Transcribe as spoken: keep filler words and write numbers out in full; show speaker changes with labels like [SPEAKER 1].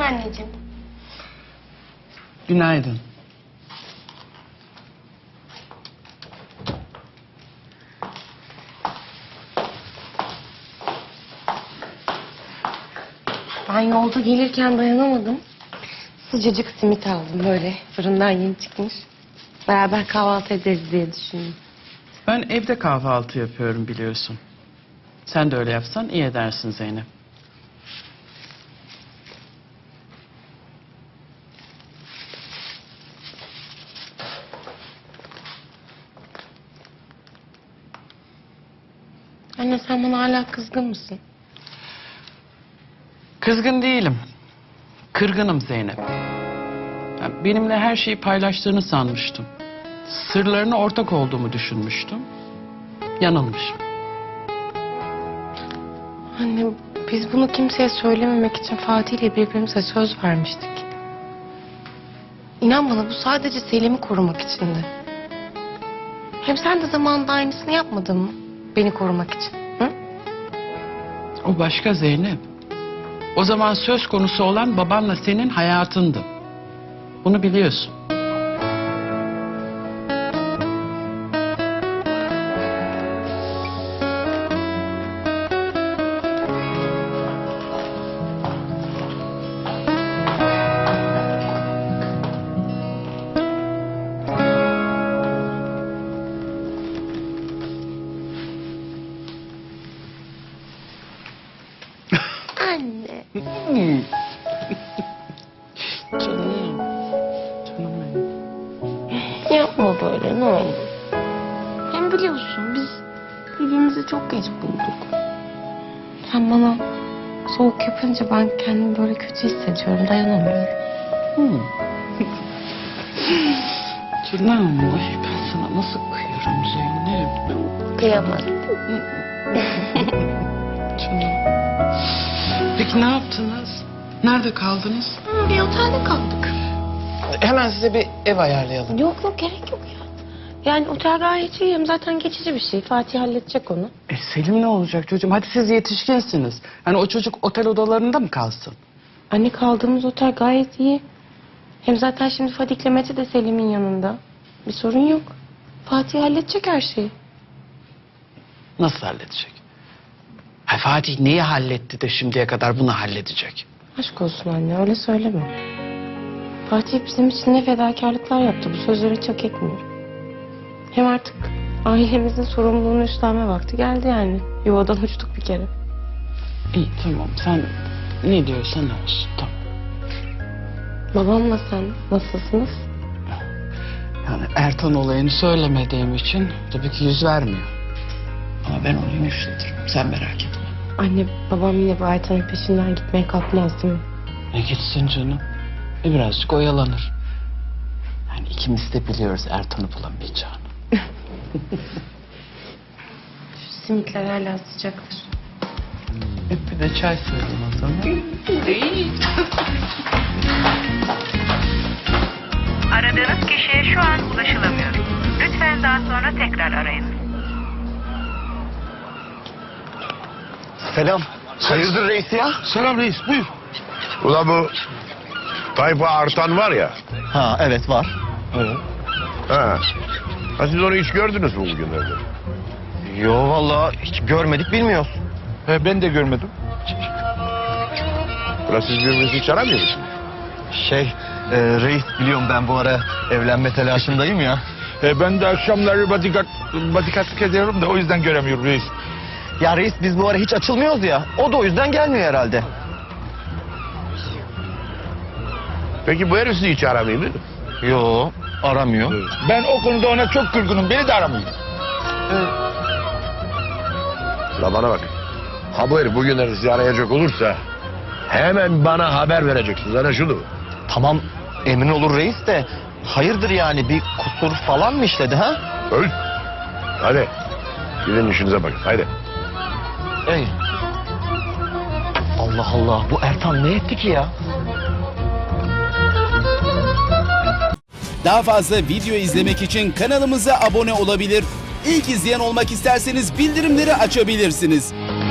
[SPEAKER 1] anneciğim.
[SPEAKER 2] Günaydın.
[SPEAKER 1] Ben yolda gelirken dayanamadım. Sıcacık simit aldım böyle. Fırından yeni çıkmış. Beraber kahvaltı ederiz diye düşündüm.
[SPEAKER 2] Ben evde kahvaltı yapıyorum biliyorsun. Sen de öyle yapsan iyi edersin Zeynep.
[SPEAKER 1] Anne sen bana hala kızgın mısın?
[SPEAKER 2] Kızgın değilim. Kırgınım Zeynep. Ya benimle her şeyi paylaştığını sanmıştım. Sırlarına ortak olduğumu düşünmüştüm. Yanılmışım.
[SPEAKER 1] Anne biz bunu kimseye söylememek için Fatih ile birbirimize söz vermiştik. İnan bana bu sadece Selim'i korumak içindi. Hem sen de zamanında aynısını yapmadın mı? Beni korumak için. Hı?
[SPEAKER 2] O başka Zeynep. O zaman söz konusu olan babanla senin hayatındı. Bunu biliyorsun.
[SPEAKER 1] Anne.
[SPEAKER 2] Hmm. Canım. Canım benim.
[SPEAKER 1] Yapma böyle ne olur. Hem biliyorsun biz birbirimizi çok geç bulduk. Sen bana soğuk yapınca ben kendimi böyle kötü hissediyorum. Dayanamıyorum.
[SPEAKER 2] Hmm. Canım. Ay ben sana nasıl kıyarım Zeynep.
[SPEAKER 1] Kıyamadım.
[SPEAKER 2] Canım. Peki ne yaptınız? Nerede kaldınız?
[SPEAKER 1] Bir otelde kaldık.
[SPEAKER 2] Hemen size bir ev ayarlayalım.
[SPEAKER 1] Yok yok gerek yok ya. Yani otel gayet iyi. Hem zaten geçici bir şey. Fatih halledecek onu.
[SPEAKER 2] E Selim ne olacak çocuğum? Hadi siz yetişkinsiniz. Yani o çocuk otel odalarında mı kalsın?
[SPEAKER 1] Anne kaldığımız otel gayet iyi. Hem zaten şimdi Fatih'le Mete de Selim'in yanında. Bir sorun yok. Fatih halledecek her şeyi.
[SPEAKER 2] Nasıl halledecek? Ha, Fatih neyi halletti de şimdiye kadar bunu halledecek?
[SPEAKER 1] Aşk olsun anne öyle söyleme. Fatih bizim için ne fedakarlıklar yaptı. Bu sözleri hiç hak etmiyor. Hem artık ailemizin sorumluluğunu üstlenme vakti geldi yani. Yuvadan uçtuk bir kere.
[SPEAKER 2] İyi tamam sen ne diyorsan olsun tamam.
[SPEAKER 1] Babamla sen nasılsınız?
[SPEAKER 2] Yani Ertan olayını söylemediğim için tabii ki yüz vermiyor. Ama ben onu yumuşatırım sen merak etme.
[SPEAKER 1] Anne babam yine bu Aytan'ın peşinden gitmeye kalkmaz değil mi?
[SPEAKER 2] Ne gitsin canım? E birazcık oyalanır. Yani ikimiz de biliyoruz Ertan'ı bulamayacağını.
[SPEAKER 1] Şu simitler hala sıcaktır.
[SPEAKER 2] Hep bir de çay söyleyeyim o zaman.
[SPEAKER 3] Aradığınız kişiye şu an ulaşılamıyor. Lütfen daha sonra tekrar arayın.
[SPEAKER 4] Selam. Hayırdır reis ya?
[SPEAKER 5] Selam reis, buyur.
[SPEAKER 6] Ulan bu Tayfa Artan var ya.
[SPEAKER 4] Ha evet var.
[SPEAKER 6] Evet. Ha. Ha siz onu hiç gördünüz mü bugünlerde?
[SPEAKER 4] Yo vallahi hiç görmedik bilmiyoruz.
[SPEAKER 5] He, ben de görmedim.
[SPEAKER 6] Ulan siz birbirinizi hiç aramıyor musunuz?
[SPEAKER 4] Şey e, reis biliyorum ben bu ara evlenme telaşındayım ya.
[SPEAKER 5] He, ben de akşamları bodyguard, bodyguardlık ediyorum da o yüzden göremiyorum reis.
[SPEAKER 4] Ya reis biz bu ara hiç açılmıyoruz ya. O da o yüzden gelmiyor herhalde.
[SPEAKER 6] Peki bu herif sizi hiç aramıyor mu?
[SPEAKER 4] Yo aramıyor.
[SPEAKER 5] Ben o konuda ona çok kırgınım, beni de aramıyor.
[SPEAKER 6] Ulan bana bak. Ha bu herif bugünlerde sizi arayacak olursa hemen bana haber vereceksiniz. Ana şunu.
[SPEAKER 4] Tamam emin olur reis de hayırdır yani bir kusur falan mı işledi ha?
[SPEAKER 6] Öl. Hadi. Gidin işinize bakın. Haydi.
[SPEAKER 4] Ey. Allah Allah bu Ertan ne etti ki ya?
[SPEAKER 7] Daha fazla video izlemek için kanalımıza abone olabilir. İlk izleyen olmak isterseniz bildirimleri açabilirsiniz.